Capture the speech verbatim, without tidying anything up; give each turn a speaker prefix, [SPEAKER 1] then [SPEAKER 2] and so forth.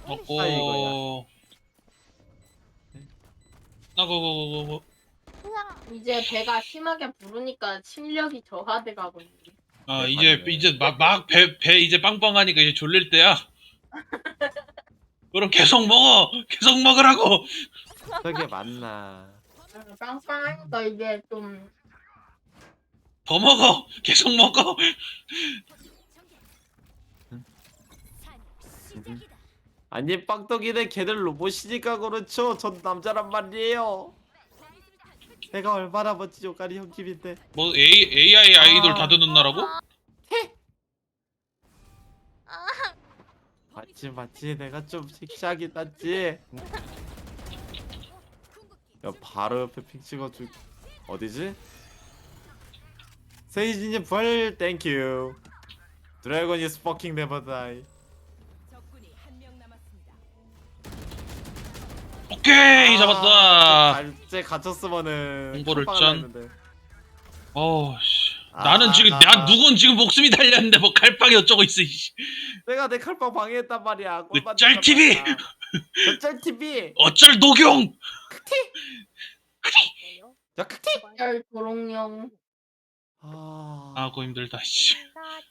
[SPEAKER 1] 먹고 나고고고고.
[SPEAKER 2] 이제 배가 심하게 부르니까 침력이 저하돼 가고 있네.
[SPEAKER 1] 아
[SPEAKER 3] 네,
[SPEAKER 1] 이제
[SPEAKER 3] 맞네.
[SPEAKER 1] 이제 막 막 배 배 이제 빵빵하니까 이제 졸릴 때야. 그럼 계속 먹어. 계속 먹으라고.
[SPEAKER 3] 저게 맞나?
[SPEAKER 2] 빵빵하니까 이제 좀
[SPEAKER 1] 더 먹어. 계속 먹어.
[SPEAKER 3] 아니 빵떡이네 걔들 로봇이니까 그렇죠. 전 남자란 말이에요. 내가 얼마나 멋진 요까리 형님인데.
[SPEAKER 1] 뭐 A 에이아이 아이돌
[SPEAKER 3] 아.
[SPEAKER 1] 다 듣는 나라고?
[SPEAKER 3] 맞지 맞지 내가 좀 섹시하긴 낫지. 야 바로 옆에 핑 찍어줄. 어디지? 세이지님 부활 땡큐. 드래곤 is fucking never die.
[SPEAKER 1] 오케이 잡았다.
[SPEAKER 3] 갈제 갇혔으면은
[SPEAKER 1] 공보를
[SPEAKER 3] 깜빡
[SPEAKER 1] 짠.
[SPEAKER 3] 했는데.
[SPEAKER 1] 어우 씨.
[SPEAKER 3] 아,
[SPEAKER 1] 나는 지금
[SPEAKER 3] 아,
[SPEAKER 1] 나
[SPEAKER 3] 아.
[SPEAKER 1] 누군 지금 목숨이 달렸는데 뭐 칼빵이 어쩌고 있어. 이씨.
[SPEAKER 3] 내가 내 칼빵 방해했단 말이야. 꼴
[SPEAKER 1] 그
[SPEAKER 3] 받는
[SPEAKER 1] 짤티비!
[SPEAKER 3] 말이야. 저 짤티비.
[SPEAKER 1] 어쩔 녹용.
[SPEAKER 3] 저 크티.
[SPEAKER 2] 열 도롱뇽.
[SPEAKER 3] 아.
[SPEAKER 1] 아고 힘들다 씨.